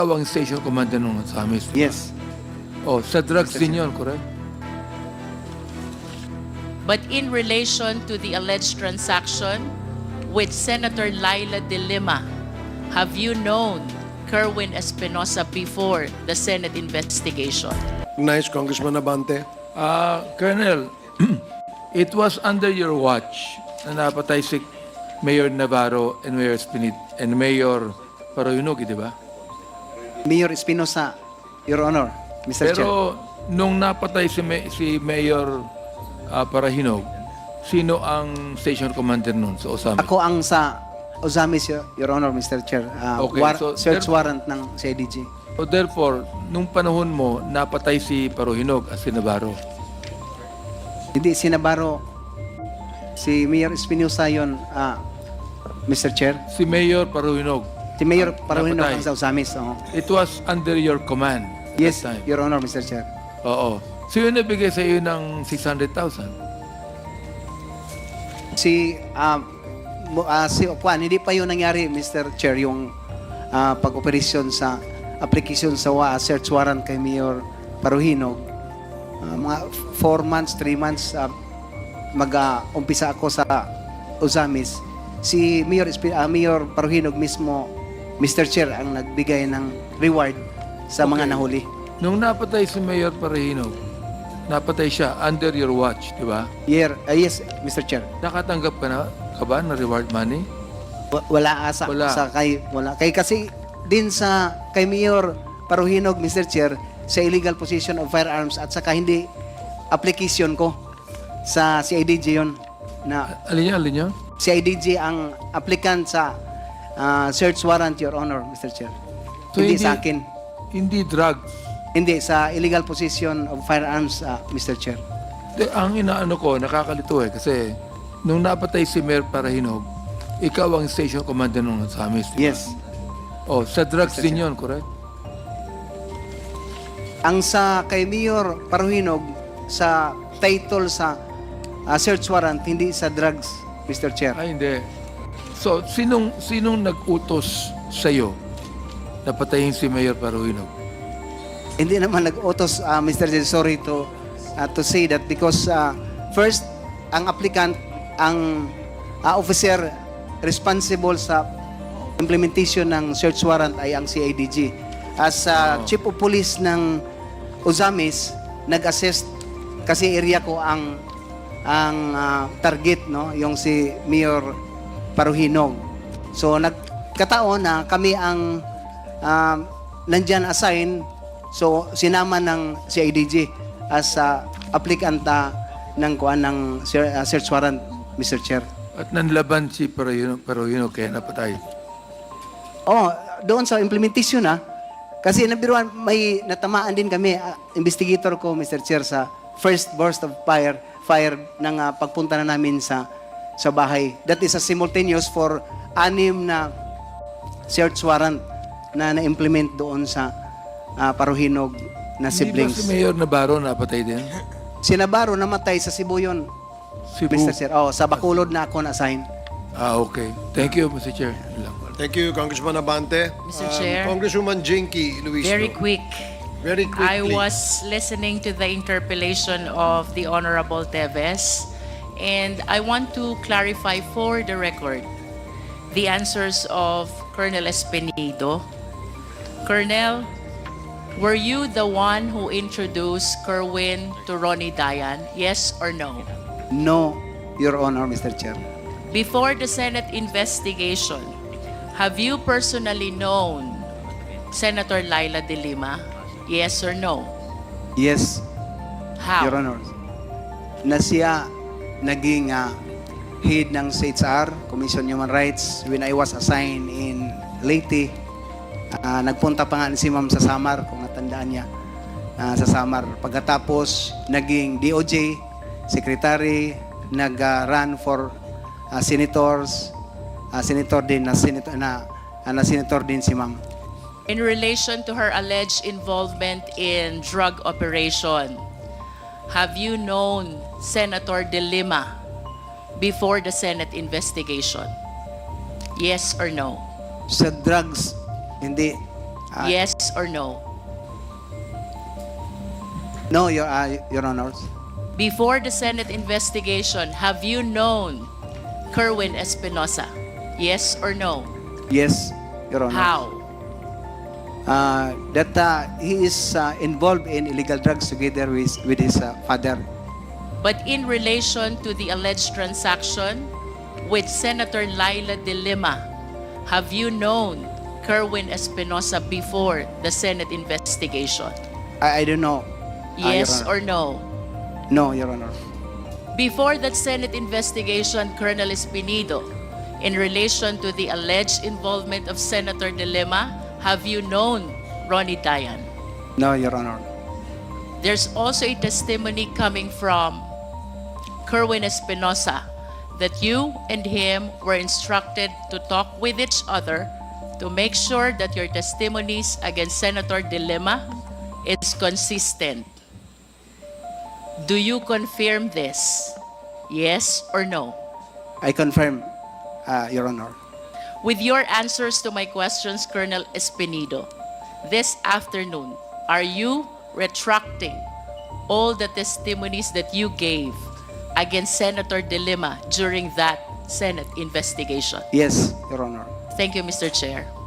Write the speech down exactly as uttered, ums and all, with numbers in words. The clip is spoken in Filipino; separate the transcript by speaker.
Speaker 1: ang station commander nung sa amin.
Speaker 2: Yes.
Speaker 1: Oh, sa drugs din yun, correct?
Speaker 3: But in relation to the alleged transaction with Senator Laila De Lima, have you known Kerwin Espinosa before the Senate investigation?
Speaker 4: Nice, Congressman Abante.
Speaker 1: Ah, Colonel, it was under your watch na napatay si Mayor Navarro and Mayor Spinit and Mayor Paroyunog, di ba?
Speaker 2: Mayor Espinosa, Your Honor, Mister Chair.
Speaker 1: Pero nung napatay si, May- si Mayor ah, Parahinog, sino ang station commander nun sa Osamis?
Speaker 2: Ako ang sa Ozamis, Your, Your Honor, Mister Chair. Ah,
Speaker 1: Okay,
Speaker 2: war-
Speaker 1: so
Speaker 2: search
Speaker 1: there-
Speaker 2: warrant ng C I D G.
Speaker 1: So therefore, nung panahon mo, napatay si Parohinog at si Navarro.
Speaker 2: Hindi, si Navarro, si Mayor Espinosa yun, ah, Mister Chair.
Speaker 1: Si Mayor Parohinog.
Speaker 2: Si Mayor
Speaker 1: Ang
Speaker 2: Paruhino
Speaker 1: napatay.
Speaker 2: ang sa Ozamis. oo.
Speaker 1: It was under your command.
Speaker 2: Yes,
Speaker 1: that time.
Speaker 2: Your Honor, Mister Chair.
Speaker 1: Oo. So yun nabigay sa iyo ng six hundred thousand.
Speaker 2: Si, ah, mo- ah, si Okwan, hindi pa yun nangyari, Mister Chair, yung ah, pag-operasyon sa application sa wa, search warrant kay Mayor Paruhino. Ah, mga four months, three months, ah, mag-umpisa ako sa Ozamis. Si Mayor, Espi- ah, Mayor Paruhinog mismo, Mister Chair, ang nagbigay ng reward sa mga
Speaker 1: Okay.
Speaker 2: nahuli.
Speaker 1: Nung napatay si Mayor Parahinog, napatay siya under your watch, di ba?
Speaker 2: Year, ah, yes, Mister Chair.
Speaker 1: Nakatanggap ka na ka ba ng reward money?
Speaker 2: Wa- Wala asa
Speaker 1: Wala.
Speaker 2: sa kay wala kay kasi din sa kay Mayor Paruhinog, Mister Chair, sa illegal possession of firearms at saka hindi application ko sa C I D G yon na
Speaker 1: Alin niya, alin niya?
Speaker 2: C I D G ang applicant sa ah, search warrant, Your Honor, Mister Chair.
Speaker 1: So,
Speaker 2: hindi,
Speaker 1: hindi-
Speaker 2: sa akin.
Speaker 1: Hindi drugs.
Speaker 2: Hindi sa illegal possession of firearms, ah, Mister Chair.
Speaker 1: De, ang inaano ko, nakakalito eh, kasi nung napatay si Mayor Parahinog, ikaw ang station commander nung sa amin. di ba?
Speaker 2: Yes.
Speaker 1: Oh, sa drugs din yun, correct?
Speaker 2: Ang sa kay Mayor Paruhinog sa title sa ah, search warrant, hindi sa drugs, Mister Chair.
Speaker 1: Ay, hindi. So, sinong, sinong nag-utos sa'yo na patayin si Mayor Parahinog?
Speaker 2: Hindi naman nag-utos, uh, Mister Chair, sorry to uh, to say that because uh, first, ang applicant, ang uh, officer responsible sa implementation ng search warrant ay ang C I D G. As uh,
Speaker 1: Oh.
Speaker 2: Chief of Police ng Ozamis, nag-assist kasi area ko ang ang uh, target, no, yung si Mayor Paruhinog. So nagkataon na kami ang um, nandyan assign, so sinama ng C I D G as uh, applicant uh, ng kuan ng ser- uh, search warrant, Mister Chair.
Speaker 1: At nanlaban si Parahinog, Parahinog kaya napatay.
Speaker 2: Oh, doon sa implementation na kasi nabiruan may natamaan din kami, uh, investigator ko, Mister Chair, sa first burst of fire fire ng uh, pagpunta na namin sa sa bahay. That is a simultaneous for anim na search warrant na na-implement doon sa uh, Paruhinog na
Speaker 1: Hindi ba si
Speaker 2: siblings.
Speaker 1: Mayor Navarro napatay din?
Speaker 2: Si Navarro namatay sa Cebu yun,
Speaker 1: Cebu.
Speaker 2: Mister Chair. Oh, sa Bacolod na ako na-assign.
Speaker 1: Ah, okay. Thank you, Mister Chair. Yun lang.
Speaker 4: Thank you, Congressman Abante.
Speaker 3: Mister Chair.
Speaker 4: Congresswoman Jinky Luis.
Speaker 3: Very quick.
Speaker 4: Very quickly.
Speaker 3: I was listening to the interpellation of the Honorable Teves, and I want to clarify for the record the answers of Colonel Espinido. Colonel, were you the one who introduced Kerwin to Ronnie Dayan? Yes or no?
Speaker 2: No, Your Honor, Mister Chair.
Speaker 3: Before the Senate investigation, have you personally known Senator Laila De Lima? Yes or no?
Speaker 2: Yes,
Speaker 3: How?
Speaker 2: Your Honor, na siya naging ah, head ng C H R, Commission on Human Rights, when I was assigned in Leyte. Ah, nagpunta pa nga si Ma'am sa Samar, kung natandaan niya, ah, sa Samar. Pagkatapos, naging D O J, Secretary, nag-run for ah, senators, ah, senator din, na senator, na, ah, na senator din si Ma'am.
Speaker 3: In relation to her alleged involvement in drug operation, have you known Senator De Lima before the Senate investigation? Yes or no?
Speaker 2: Sa drugs, hindi. Uh,
Speaker 3: Yes or no?
Speaker 2: No, Your, uh, Your Honor.
Speaker 3: Before the Senate investigation, have you known Kerwin Espinosa? Yes or no?
Speaker 2: Yes, Your Honor.
Speaker 3: How?
Speaker 2: Uh, that uh, he is uh, involved in illegal drugs together with, with his uh, father.
Speaker 3: But in relation to the alleged transaction with Senator Laila De Lima, have you known Kerwin Espinosa before the Senate investigation?
Speaker 2: I, I don't know. uh, Your
Speaker 3: Yes
Speaker 2: Honor.
Speaker 3: or no?
Speaker 2: No, Your Honor.
Speaker 3: Before that Senate investigation, Colonel Espinido, in relation to the alleged involvement of Senator De Lima, have you known Ronnie Dayan?
Speaker 2: No, Your Honor.
Speaker 3: There's also a testimony coming from Kerwin Espinosa that you and him were instructed to talk with each other to make sure that your testimonies against Senator De Lima is consistent. Do you confirm this? Yes or no?
Speaker 2: I confirm, uh, Your Honor.
Speaker 3: With your answers to my questions, Colonel Espinido, this afternoon, are you retracting all the testimonies that you gave against Senator De Lima during that Senate investigation?
Speaker 2: Yes, Your Honor.
Speaker 3: Thank you, Mister Chair.